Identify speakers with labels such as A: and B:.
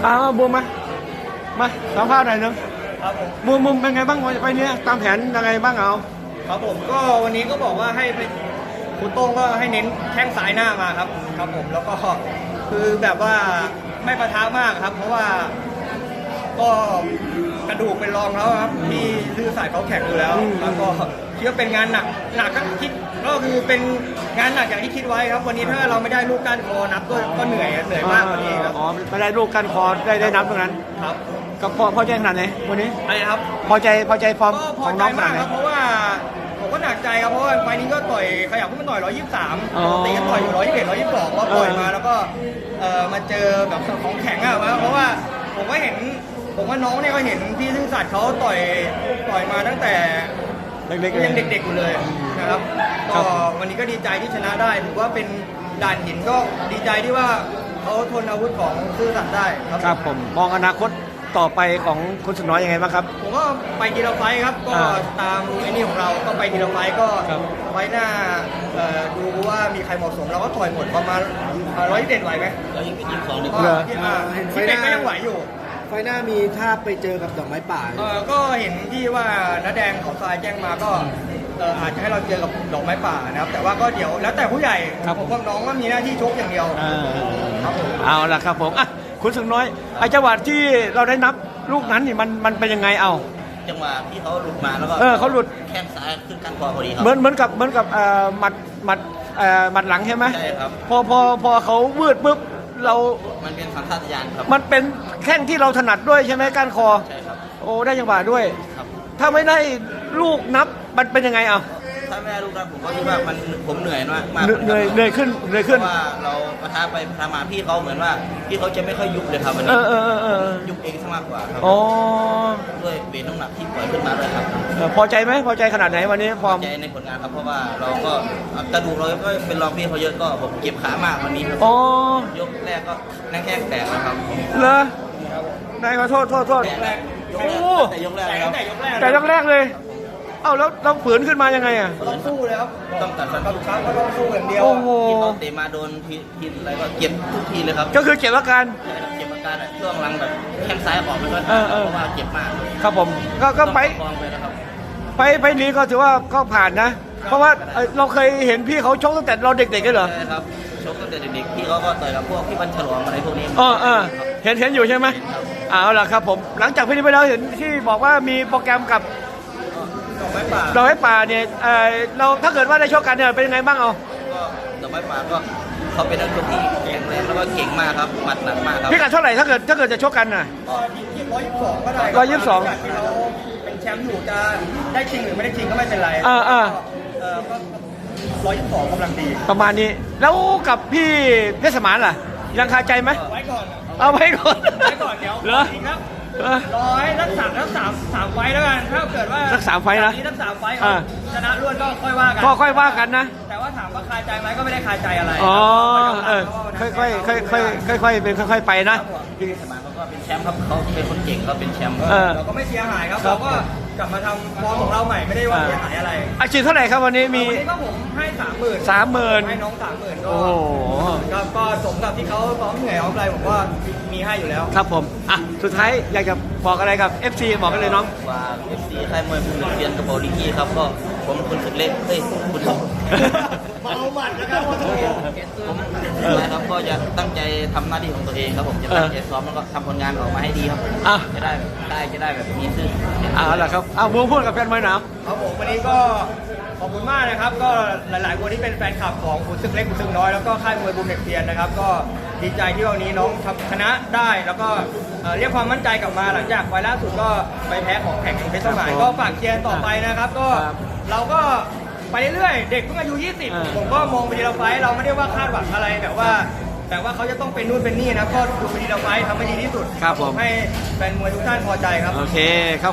A: บูมมาสัมภาษณ์หน่อยนึง
B: ครับผม
A: บูมเป็นไงบ้างไปเนี้ยตามแผนยังไงบ้างเอา
B: ครับผมก็วันนี้ก็บอกว่าให้คุณโต้งก็ให้เน้นแข้งซ้ายหน้ามาครับครับผมแล้วก็คือแบบว่าไม่ประทะมากครับ เพราะว่าก็กระดูกเป็นรองแล้วครับที่ซื่อสายเขาแข็งอยู่แล้วแล้วก็คิดว่าเป็นงานหนักก็คิดก็คือเป็นงานหนักอย่างที่คิดไว้ครับวันนี้ถ้าเราไม่ได้ลูกก้านคอนับก็เหนื่อยมากกว่านี้ครับ
A: อ๋อไม่ได้ลูกกันคอได้นับตรงนั้น
B: ครับ
A: ก็พอใจขนาดไหนวันนี้
B: อะไรครับ
A: พอใจฟอร์ม
B: ก็พ
A: ข
B: อ
A: อง
B: ใจ
A: น้องข
B: มา
A: นาด
B: ก
A: ไหน
B: ครับเพราะว่าผมก็หนักใจครับเพราะว่าไฟล์นี้ก็ต่อยขยับขึ้นมาต่อย123
A: อ๋อ
B: ปกติก็ต่อยอยู่121 122ก็ต่อยมาแล้วก็มาเจอแบบของแข็งอะเพราะว่าผมว่าน้องเนี่ยก็เห็นพี่ซื่อสัตย์เขาต่อยมาตั้งแต่
A: เล็กๆ
B: ยังเด็กๆอยู่เลยนะครับ
A: ครั
B: ก็
A: บ
B: วันนี้ก็ดีใจที่ชนะได้ถือว่าเป็นด่านหินก็ดีใจที่ว่าเขาทนอาวุธของซื่อสัตย์ได้ครับ
A: ครับผมมองอนาคตต่อไปของคุณสุดน้อยยังไงบ้างครับ
B: ผมก็ไปทีละไฟท์ครับก็ตามไอ้นี่ของเราก็ไปทีละไฟท์ก็
A: ครับ
B: ไฟท์หน้าดูว่ามีใครเหมาะสมเราก็ต่อยหมดประมาณ121ไหวไหม
C: 122ดีก
B: ก็
C: ว่า
A: เหรอ
B: ที่
D: เห็นไฟ
B: ที่
D: ห
B: เป็
D: น้า
B: นก็ยังไหวอยู่
D: ไฟหน้ามีถ้าไปเจอกับดอกไม้ป่า
B: ก็เห็นที่ว่าน้าแดงเขาทรายแจ้งมาก็อาจจะให้เราเจอกับดอกไม้ป่านะครับแต่ว่าก็เดี๋ยวแล้วแต่ผู้ใหญ่
A: ครับ
B: ผมว่าน้องก็มีหน้าที่ชกอย่างเดียวครับผม
A: เอาล่ะครับผมอ่ะคุณสุดน้อยไอ้จังหวะที่เราได้นับลูกนั้นนี่มันเป็นยังไงเอา
C: จังหวะที่เขาหลุดมาแล้วก็
A: เขาหลุด
C: แข้งซ้ายขึ้นข้างคอพอดีครั
A: เหมือนกับหมัดหลังใช่ไหม
C: ใช่ครับ
A: พอเขาวืดปุ๊บเรา
C: มันเป็นสัญชาตญาณครับ
A: มันเป็นแข้งที่เราถนัดด้วยใช่ไหมก้านคอ
C: ใช่ครับ
A: โอ้ได้จังหวะด้วย
C: ครับ
A: ถ้าไม่ได้ลูกนับมันเป็นยังไงเอา
C: ถ้าไม่ได้ลูกนั้นผมก็คิดว่าผมเหนื่อยมาก
A: เหนื่อยขึ้น
C: เพราะว่าเราประทะไปประทะมาพี่เขาเหมือนว่าพี่เขาจะไม่ค่อยยุบเลยครับวัน
A: เอ
C: นี้
A: อ
C: ยุบเองซะมากกว่าครับ
A: อ๋อ
C: ด้วยเวทน้ำหนักที่ปล่อยขึ้นมาด้วยครับ
A: พอใจไหมพอใจขนาดไหนวันนี้ฟอร์ม
C: ใจในผลงานครับเพราะว่าเราก็กระดูกเราก็เป็นรองพี่เขาเยอะก็ผมเก็บขามากวันนี้ครับ
A: อ๋อย
C: กแรกก็นั่งแข้งแตกนะครับ
A: เหรอได้ขอโทษ
C: ยกแรก
A: โอ้
C: แต่ยกแรกนะครับ
B: แต่ยกแรก
A: แต่แรกเลย เอ้าแล้วเราฝืนขึ้นมายังไงอ่ะ
B: ต้องสู้เลยครับ
C: ต้องตัดฟัน
B: กับช้างก็ต้องสู้อย่างเดียว
A: โอ้โห
C: ที่เขาเตะมาโดนทีอะไรก็เก็บทุกทีเลยครับ
A: ก็คือเก็บอาการ
C: ใช่ครับเก็บอาการอะช่วงหลังแบบแข้งซ้ายออกไม่ค่อย
A: เออ
C: เพราะว่าเจ็บมาก
A: ครับผมก็ไป
C: ต้องประคองไปนะครับ
A: ไปนี้ก็ถือว่าก็ผ่านนะ เพราะว่าเราเคยเห็นพี่เขาชกตั้งแต่เราเด็กๆกันเหรอ
C: ใช่ครับชกตั้งแต่เด็กๆพี่เขาก็ต่อยกับพวกพี่บัญฉลองอะไรพวกนี้
A: เห็นอยู่ใช่ไหมเอาล่ะครับผมหลังจากพี่นี้ไปแล้วเห็นที่บอกว่ามีโปรแกรมกับ
B: ดอกไม้ป่า
A: เราให้ป่าเนี่ยเราถ้าเกิดว่าได้ชกกันเนี่ยเป็นยังไงบ้างเอา
C: ก็ดอกไม้ป่าก็เขาเป็นนักชกที่แข็งแรงแล้วก็เก่งมากครับหมัดหนักมากครับ
A: พี่กัดเท่าไหร่ถ้าเกิดจะชกกันน่ะ
B: ก็122ก็ได้
A: 122
B: ที่เราเป็นแชมป์อยู่จะได้ชิงหรือไม่ได้ชิงก็ไม่เป็นไร ก็122กำลังดี
A: ประมาณนี้แล้วกับพี่เพชรสมานล่ะ ยังคาใจไหม
B: ไว้ก่อน
A: เอาไว้ก่อน
B: ไว้ก่อนเดี๋ยว
A: เหรอ
B: จริงครับ
A: เออ
B: รักสามไฟล์แล้วกันถ้าเกิดว่า
A: สัก3ไฟล์นะ
B: จากรักสามไฟล์
A: อ่า
B: ชนะรวดก็ค่อยว่ากัน
A: ก็ค่อยว่ากันนะ
B: แต่ว่าถามว่าคาใจไหมก็ไม่ได้คาใจอะไร
A: อ๋อ
B: ค่อย
A: ค่อยเป็นค่อยไปนะ
C: พี่สมานเขาก็เป็นแชมป์ครับเขาเป็นคนเก่งเขาเป็นแชมป์
B: เราก็ไม่เสียหายครับ
A: ครั
B: เรา
A: บ
B: ก็กลับมาทำฟอร์มของเราใหม่ไม่ได้ว่าเสียหายอะไร
A: อาชีพเท่าไหร่ครับวันนี้มี
B: วันนี้ก็ผมให้30,000
A: 30,000
B: ให้น้อง30,000
A: โอ้โห
B: ก็สมกับที่เขาซ้อมเหนื่อยซ้อมอะไรผมก็มีให้อยู่แล้ว
A: ครับผมอ่ะสุดท้ายอยากจะบอกอะไรกับ FC บอกกันเลยน้อง
C: ฝาก FC ค่ายมวยภูมิเรียนกระเป๋าลิกี้ครับก็ผมคุณสุดเล็กเฮ้ยคุณ
B: เมาหมัดแล้วครับ
C: ผมนะครับก็จะตั้งใจทำหน้าที่ของตัวเองครับผมจะตั้งใจซ้อมแล้วก็ทำผลงานออกมาให้ดีครับ
A: อ่ะ
C: จะได้แบบมีชื่อ
A: เอาล่ะครับเอาบูพูดกับแฟนมวยหนาว
B: ครับผมวันนี้ก็ขอบคุณมากนะครับก็หลายๆคนที่เป็นแฟนคลับของขุนศึกเล็กขุนศึกน้อยแล้วก็ค่ายมวยบูมเด็กเทียนนะครับก็ดีใจที่วันนี้น้องทำชนะได้แล้วก็เรียกความมั่นใจกลับมาหลังจากไฟล์ล่าสุดก็ไปแพ้ของแข่งเพชรสมัยก็ฝากเชียร์ต่อไปนะครับก็เราก็ไปเรื่อยๆเด็กเพิ่งอายุ 20 ผมก็มองไปทีละไฟล์เราไม่ได้ว่าคาดหวังอะไรแต่ว่าเขาจะต้องเป็นนู่นเป็นนี่นะก็ดูไปทีละไฟล์ทำให้ดีที่สุด
A: ครับผม
B: ให้แฟนมวยทุกท่านพอใจครับ
A: โอเคครับ